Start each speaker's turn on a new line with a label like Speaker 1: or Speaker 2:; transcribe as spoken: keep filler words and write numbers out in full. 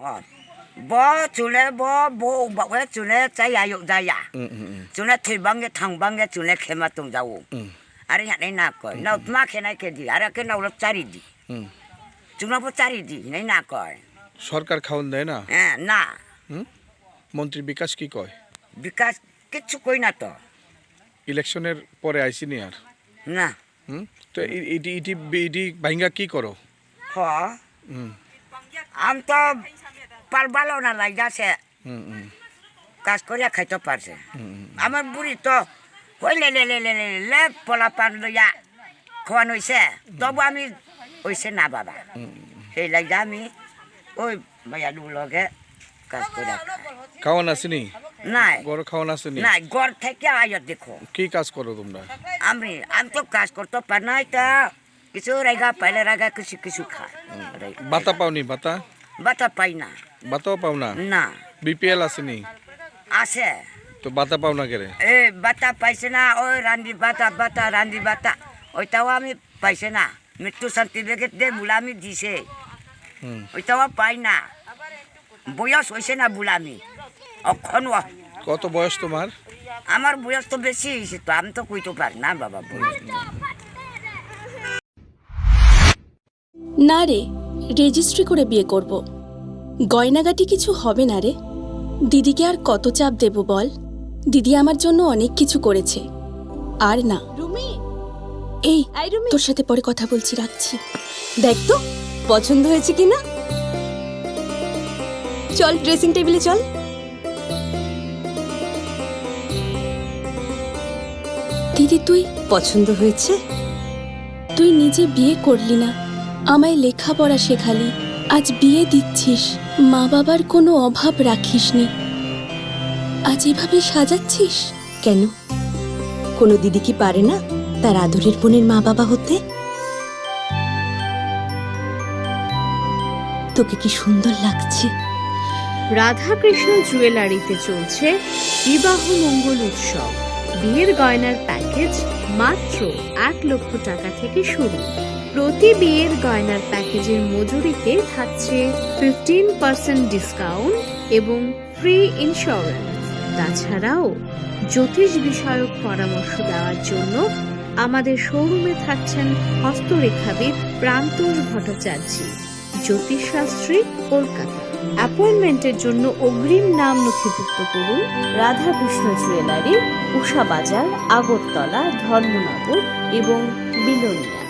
Speaker 1: บ่จุเลบ่บ่บ่เวจุเลใจอายุใจยาจุเลที่บังเกทางบังเกจุเลเข้ามาตรงเจ้าอารีหันในนักก่อนเรามาแค่ไหนแค่ดีอารีแค่เรารับจารีดีจุลบ่จารีดีในนักก่อน
Speaker 2: সরকার খাওন দেয় না
Speaker 1: হ্যাঁ না
Speaker 2: মন্ত্রী বিকাশ কি কয়
Speaker 1: বিকাশ কিছু কই না তো
Speaker 2: ইলেকশনের পরে আইসিনি আর
Speaker 1: না
Speaker 2: হুম তো ইটি ইটি ইটি ভাঙ্গা কি করো
Speaker 1: হ আম তো পারবালো না লাগাছে কাজ করিয়া খাইতে পারছে আমার বুড়ি তো ওই লে লে লে লে লে লে পোলা পান লইয়া খাওয়ানো হয়েছে তবু আমি হয়েছে না বাবা সেই লাগা আমি ওই মাইয়া লগে কাজ করিয়া
Speaker 2: খাওয়ান আসেনি
Speaker 1: নাই
Speaker 2: গড় খাওয়ান আসেনি
Speaker 1: নাই গড় থেকে আয় দেখো
Speaker 2: কি কাজ করো তোমরা
Speaker 1: আমি আমি তো কাজ করতে পার নাই তা কিছু রেগা পাইলে রেগা কিছু কিছু খায়
Speaker 2: বাতা পাওনি বাতা
Speaker 1: বাতা পাই না
Speaker 2: বাতাও পাও না
Speaker 1: না
Speaker 2: বিপিএল আসেনি
Speaker 1: আছে
Speaker 2: তো বাতা পাও না কেরে
Speaker 1: এ বাতা পাইছে না ওই রান্দি বাতা বাতা রান্দি বাতা ওইটাও আমি পাইছে না মৃত্যু সার্টিফিকেট দিয়ে বুলামি দিছে ওইটাও পাই না বয়স হয়েছে না বুলামি অক্ষণ
Speaker 2: কত বয়স তোমার
Speaker 1: আমার বয়স তো বেশি হয়েছে তো আমি তো কইতে পারি না বাবা বয়স
Speaker 3: না রে রেজিস্ট্রি করে বিয়ে করব গয়নাগাটি কিছু হবে না রে দিদিকে আর কত চাপ দেব বল দিদি আমার জন্য অনেক কিছু করেছে আর না
Speaker 4: রুমি
Speaker 3: এই
Speaker 4: আই রুমি
Speaker 3: তোর সাথে পরে কথা বলছি রাখছি
Speaker 4: দেখ তো পছন্দ হয়েছে কিনা চল ড্রেসিং টেবিলে চল
Speaker 3: দিদি তুই
Speaker 4: পছন্দ হয়েছে
Speaker 3: তুই নিজে বিয়ে করলি না আমায় লেখাপড়া শেখালি আজ বিয়ে দিচ্ছিস মা বাবার কোনো অভাব রাখিসনি আজ এভাবে সাজাচ্ছিস
Speaker 4: কেন কোনো দিদি কি পারে না তার আদরের বোনের মা বাবা হতে তোকে কি সুন্দর লাগছে
Speaker 5: রাধাকৃষ্ণ জুয়েলারিতে চলছে বিবাহ মঙ্গল উৎসব বিয়ের গয়নার প্যাকেজ মাত্র এক লক্ষ টাকা থেকে শুরু প্রতি বিয়ের গয়নার প্যাকেজের মজুরিতে থাকছে ফিফটিন পার্সেন্ট ডিসকাউন্ট এবং ফ্রি ইন্স্যুরেন্স তাছাড়াও জ্যোতিষ বিষয়ক পরামর্শ দেওয়ার জন্য আমাদের শোরুমে থাকছেন হস্তরেখাবিদ প্রান্তোষ ভট্টাচার্য জ্যোতিষশাস্ত্রী কলকাতা অ্যাপয়েন্টমেন্টের জন্য অগ্রিম নাম নথিভুক্ত করুন রাধাকৃষ্ণ জুয়েলারি উষা বাজার আগরতলা ধর্মনগর এবং বিলোনিয়া।